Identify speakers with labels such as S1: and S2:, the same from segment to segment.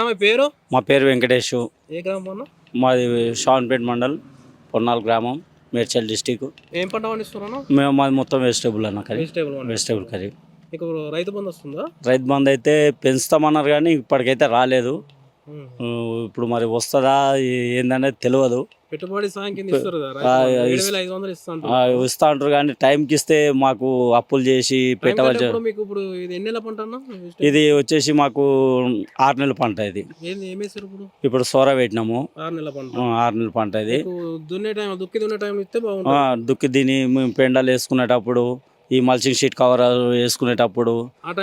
S1: మీ పేరు?
S2: మా పేరు వెంకటేష్.
S1: ఏ గ్రామం అన్న?
S2: మాది షాన్పేట్ మండల్, పొన్నాల్ గ్రామం, మేడ్చల్ డిస్టిక్.
S1: ఏం పంట పండిస్తున్నాను?
S2: మేము మాది మొత్తం వెజిటేబుల్ అన్న కర్రీ. Vegetable curry.
S1: మీకు రైతు బంధు వస్తుందా?
S2: రైతు బంధు అయితే పెంచుతామన్నారు కానీ ఇప్పటికైతే రాలేదు. ఇప్పుడు మరి వస్తుందా ఏందనేది తెలియదు.
S1: పెట్టుబడి సాయం కింద ఇస్తారు కదా, 7,500
S2: ఇస్తా అంటారు కానీ టైంకి ఇస్తే మాకు అప్పులు చేసి పెట్టవలసి.
S1: మీకు ఇప్పుడు ఇది ఎన్ని నెలల పంట అన్న?
S2: ఇది వచ్చేసి మాకు 6 నెలల పంట. ఇది ఇప్పుడు సోర పెట్టినాము.
S1: 6 నెలల పంట.
S2: 6 నెలల పంట. ఇది
S1: దున్నే టైం, దుక్కి దున్నే టైం ఇస్తే బాగుంటుంది.
S2: దుక్కి దీని మేము పెండాలు వేసుకునేటప్పుడు, ఈ మల్చింగ్ షీట్ కవర్ వేసుకునేటప్పుడు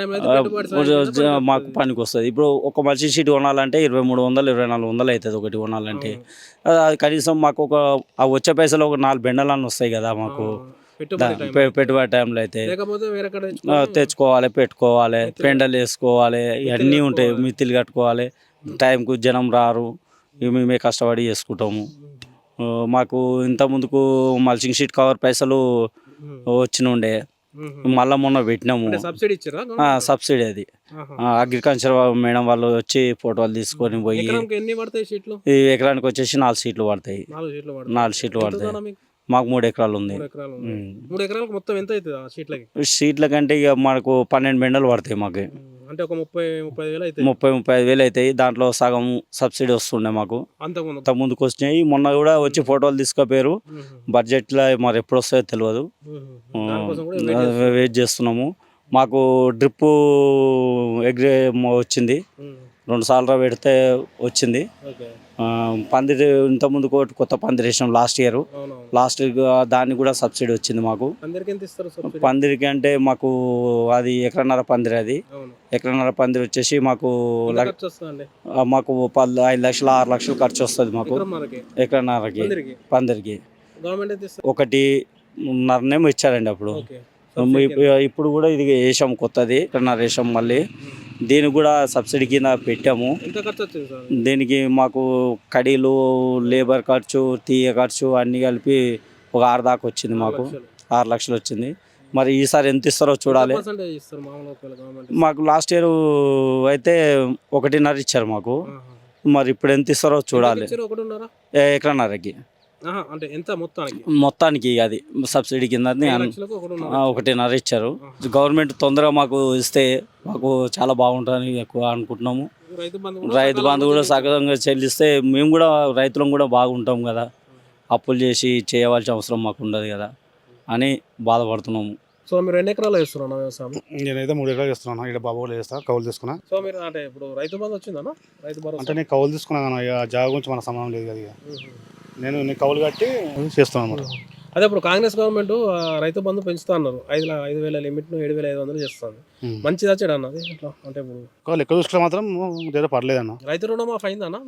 S2: మాకు పనికి వస్తుంది. ఇప్పుడు ఒక మల్చింగ్ షీట్ కొనాలంటే 2300 2400 అవుతుంది ఒకటి కొనాలంటే. అది కనీసం మాకు వచ్చే పైసలు ఒక 4 బెండలన్నీ వస్తాయి కదా మాకు పెట్టుబడి టైంలో. అయితే తెచ్చుకోవాలి, పెట్టుకోవాలి, పెండలు వేసుకోవాలి, ఇవన్నీ ఉంటాయి. మిత్తిలు కట్టుకోవాలి, టైంకు జనం రారు, మేమే కష్టపడి చేసుకుంటాము. మాకు ఇంత ముందుకు మల్చింగ్ షీట్ కవర్ పైసలు వచ్చినుండే, మళ్ళా మొన్న పెట్టినాము. సబ్సిడీ అది అగ్రికల్చర్ మేడం వాళ్ళు వచ్చి ఫోటోలు తీసుకొని పోయి. ఈ ఎకరానికి వచ్చేసి 4 షీట్లు పడతాయి. 4 షీట్లు పడతాయి. మాకు 3 ఎకరాలు ఉంది.
S1: 3 ఎకరాలకు మొత్తం ఎంత అవుతుంది?
S2: షీట్ల కంటే ఇక మనకు 12 బెండలు పడతాయి మాకు.
S1: అంటే ఒక
S2: 30-35 వేలు అవుతాయి. దాంట్లో సగం సబ్సిడీ వస్తుండే మాకు. అంత ముందుకు వచ్చినాయి. మొన్న కూడా వచ్చి ఫోటోలు తీసుకుపోయారు. బడ్జెట్లో మరి ఎప్పుడు వస్తాయో తెలియదు. వెయిట్ చేస్తున్నాము. మాకు డ్రిప్ వచ్చింది, 2 సార్లు పెడితే వచ్చింది. పందిరి ఇంత ముందు కొత్త పందిరి వేసినాం లాస్ట్ దానికి కూడా సబ్సిడీ వచ్చింది మాకు. పందిరికి అంటే మాకు అది ఎకరన్నర పందిరి. అది ఎకరన్నర పందిరి వచ్చేసి మాకు 5 లక్షలు 6 లక్షలు ఖర్చు వస్తుంది మాకు ఎకరన్నరకి పందిరికి. 1.5 ఇచ్చారండి అప్పుడు. ఇప్పుడు కూడా ఇది వేసాం కొత్తది, ఎకరన్నర వేసాం. మళ్ళీ దీనికి కూడా సబ్సిడీ కింద పెట్టాము. దీనికి మాకు కడీలు, లేబర్ ఖర్చు, తీయ ఖర్చు అన్నీ కలిపి ఒక 6 దాకా వచ్చింది మాకు. 6 లక్షలు వచ్చింది. మరి ఈసారి ఎంత ఇస్తారో చూడాలి. మాకు లాస్ట్ ఇయర్ అయితే 1.5 ఇచ్చారు మాకు. మరి ఇప్పుడు ఎంత ఇస్తారో చూడాలి. ఎకరన్నరకి మొత్తానికి అది సబ్సిడీ కింద 1.5 ఇచ్చారు. గవర్నమెంట్ తొందరగా మాకు ఇస్తే మాకు చాలా బాగుంటుందని ఎక్కువ అనుకుంటున్నాము. రైతు బంధు కూడా సగంగా చెల్లిస్తే మేము కూడా రైతులం కూడా బాగుంటాం కదా. అప్పులు చేసి చేయవలసిన అవసరం మాకు ఉండదు కదా అని బాధపడుతున్నాము.
S1: సో మీరు ఎన్ని ఎకరాలు వేస్తున్నాను వ్యవసాయం?
S3: నేనైతే 3 ఎకరాలు వేస్తున్నాను. ఇక్కడ బాబు వేస్తా, కౌలు తీసుకున్నా.
S1: సో మీరు అంటే ఇప్పుడు రైతు బంధు వచ్చిందన్నా? రైతు భరోసా
S3: అంటే నేను కౌలు తీసుకున్నాను. ఇక జాగా గురించి మన సంబంధం లేదు కదా. నేను కౌలు కట్టి చేస్తున్నాను అన్నమాట.
S1: అదే ఇప్పుడు కాంగ్రెస్ గవర్నమెంట్ రైతు బంధు పెంచుతా అన్నారు. 5,000 లిమిట్ ను 7,500 చేస్తుంది. మంచిదా చెడు అన్నది అంటే ఇప్పుడు
S3: లెక్క చూసుకుంటే మాత్రం పర్లేదు అన్న.
S1: రైతు రుణమాఫీ అయిందన్నా?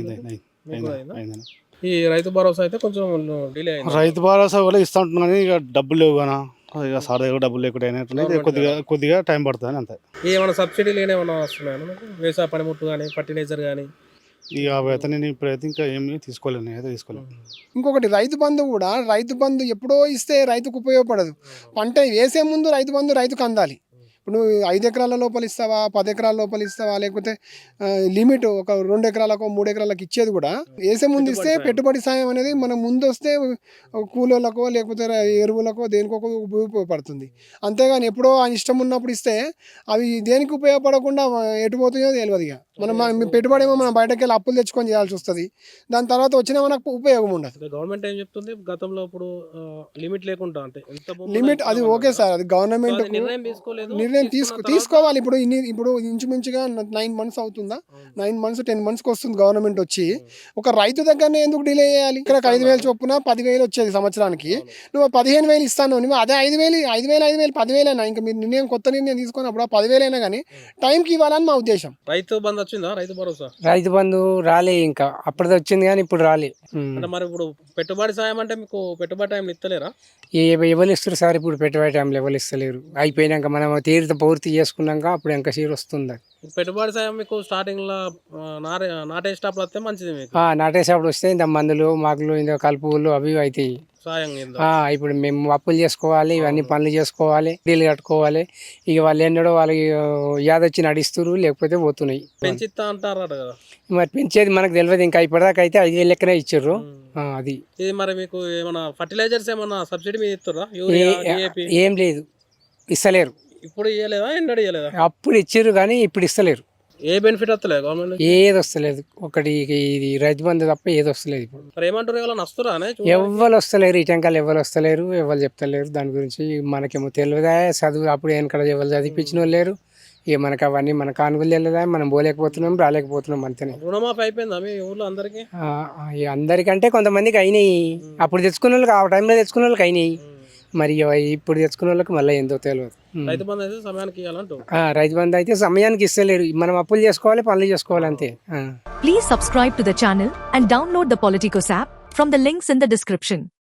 S3: అయిందన్న.
S1: ఈ రైతు భరోసా అయితే కొంచెం డిలే అయింది.
S3: రైతు భరోసా కూడా ఇస్తా ఉంటున్నాను కానీ ఇక డబ్బులు లేవు కదా. ఇక సార్ దగ్గర డబ్బులు లేకుండా కొద్దిగా టైం పడుతుంది అంతే.
S1: ఏమైనా సబ్సిడీలు ఏమైనా వస్తున్నాయన్నా వ్యవసాయ పనిముట్టు కానీ, ఫర్టిలైజర్ కానీ?
S3: ఇక అయితే నేను ఇప్పుడైతే ఇంకా ఏమీ తీసుకోలేను. అయితే తీసుకోలేను.
S4: ఇంకొకటి రైతు బంధు ఎప్పుడో ఇస్తే రైతుకు ఉపయోగపడదు. పంట వేసే ముందు రైతుకు అందాలి. ఇప్పుడు నువ్వు 5 ఎకరాల లోపల ఇస్తావా, 10 ఎకరాల లోపల ఇస్తావా, లేకపోతే లిమిట్ ఒక 2 ఎకరాలకు 3 ఎకరాలకు ఇచ్చేది కూడా వేసే ముందు ఇస్తే పెట్టుబడి సాయం అనేది మనం ముందు వస్తే కూలీలకో లేకపోతే ఎరువులకో దేనికో ఉపయోగపడుతుంది. అంతేగాని ఎప్పుడో ఆయన ఇష్టం ఉన్నప్పుడు ఇస్తే అవి దేనికి ఉపయోగపడకుండా ఎటు పోతుందో తెలియదు. ఇక మనం పెట్టుబడి ఏమో మనం బయటకు వెళ్ళి అప్పులు తెచ్చుకొని చేయాల్సి వస్తుంది. దాని తర్వాత వచ్చినా మనకు ఉపయోగం ఉండదు.
S1: గవర్నమెంట్ ఏం చెప్తుంది? గతంలో ఇప్పుడు లిమిట్ లేకుండా అంటే
S4: లిమిట్ అది ఓకే సార్, అది గవర్నమెంట్ నిర్ణయం తీసుకోవాలి. ఇప్పుడు ఇంచుమించుగా 9 మంత్స్ అవుతుందా, 9 మంత్స్ 10 మంత్స్కి వస్తుంది గవర్నమెంట్ వచ్చి. ఒక రైతు దగ్గరనే ఎందుకు డిలే చేయాలి? ఇక్కడ 5,000 చొప్పున 10,000 వచ్చేది సంవత్సరానికి. నువ్వు 15,000 ఇస్తాను, నువ్వు అదే 5,000 10,000 అయినా ఇంకా మీరు కొత్త నిర్ణయం తీసుకొని అప్పుడు 10,000 అయినా కానీ టైంకి ఇవ్వాలని మా ఉద్దేశం.
S1: రైతు బంధు వచ్చిందా? రైతు భరోసా
S5: రైతు బంధు రాలే, ఇంకా అప్పటిది వచ్చింది కానీ ఇప్పుడు రాలే.
S1: అంటే మరి ఇప్పుడు పెట్టుబడి సాయం అంటే మీకు పెట్టుబడి టైంలో ఇస్తలేరా?
S5: ఎవరు ఇస్తారు సార్? ఇప్పుడు పెట్టుబడి టైంలో ఎవరు ఇస్తలేరు. అయిపోయినాక మనం అంతా పూర్తి చేసుకున్నాక అప్పుడు ఇంకా సీరు వస్తుంది అది.
S1: పెట్టుబడి సాయం మీకు స్టార్టింగ్ లో నాటేసేటప్పుడు వస్తే మంచిది మీకు
S5: నాటేసేప్పుడు వస్తే ఇంత మందులు మాకులు ఇంత కలుపులు అవి ఇవి అవుతాయి.
S1: సాయం కింద.
S5: ఇప్పుడు మేము అప్పులు చేసుకోవాలి, ఇవన్నీ పనులు చేసుకోవాలి, డీలు కట్టుకోవాలి. ఇక వాళ్ళు ఎన్నడో వాళ్ళకి యాదొచ్చి నడిస్తున్నారు, లేకపోతే పోతున్నాయి.
S1: పెంచిస్తా అంటారట కదా,
S5: మరి పెంచేది మనకు తెలియదు. ఇంకా ఇప్పటిదాకా అయితే 5,000 లెక్కనే ఇచ్చారు. అది
S1: ఇది మరి మీకు ఏమన్నా ఫర్టిలైజర్స్ ఏమన్నా సబ్సిడీ మీద ఇస్తారా? Urea, DAP?
S5: ఏం లేదు, ఇస్తలేరు.
S1: ఇప్పుడు ఇవ్వలేదా, ఎన్నడూ ఇవ్వలేదా?
S5: అప్పుడు ఇచ్చారు కానీ ఇప్పుడు ఇస్తలేరు.
S1: ఏ బెనిఫిట్ వస్తలేదు గవర్నమెంట్?
S5: ఏది వస్తలేదు. ఒకటి ఇది రైతు బంధు తప్ప ఏది వస్తలేదు. ఇప్పుడు
S1: మరి ఏమంటారు, ఎవరైనా వస్తురా?
S5: ఎవ్వరు వస్తలేరు, ఇటంకాలు ఎవరు వస్తలేరు, ఎవరు చెప్తలేరు. దాని గురించి మనకేమో తెలియదా, చదువు అప్పుడు వెనకడ ఎవరు చదివించిన వాళ్ళు లేరు. ఇక మనకు అవన్నీ మన కానుకలు తెలియదా, మనం పోలేకపోతున్నాం, రాలేకపోతున్నాం అంతేనే.
S1: రుణమాఫీ అయిపోయిందా మీ ఊర్లో అందరికి?
S5: అందరికంటే కొంతమందికి అయినాయి. అప్పుడు తెచ్చుకున్న వాళ్ళకి, ఆ టైంలో తెచ్చుకున్న వాళ్ళకి అయినాయి. మరి ఇప్పుడు తెచ్చుకున్న వాళ్ళకి మళ్ళీ ఏందో తెలియదు.
S1: రైతు బంధు అయితే సమయానికి ఇవ్వాలంటూ.
S5: రైతు బంధు అయితే సమయానికి ఇస్తలేరు. మనం అప్పులు చేసుకోవాలి, పనులు చేసుకోవాలి అంతే.
S6: Please subscribe to the channel and download the Politicos app from the links in the description.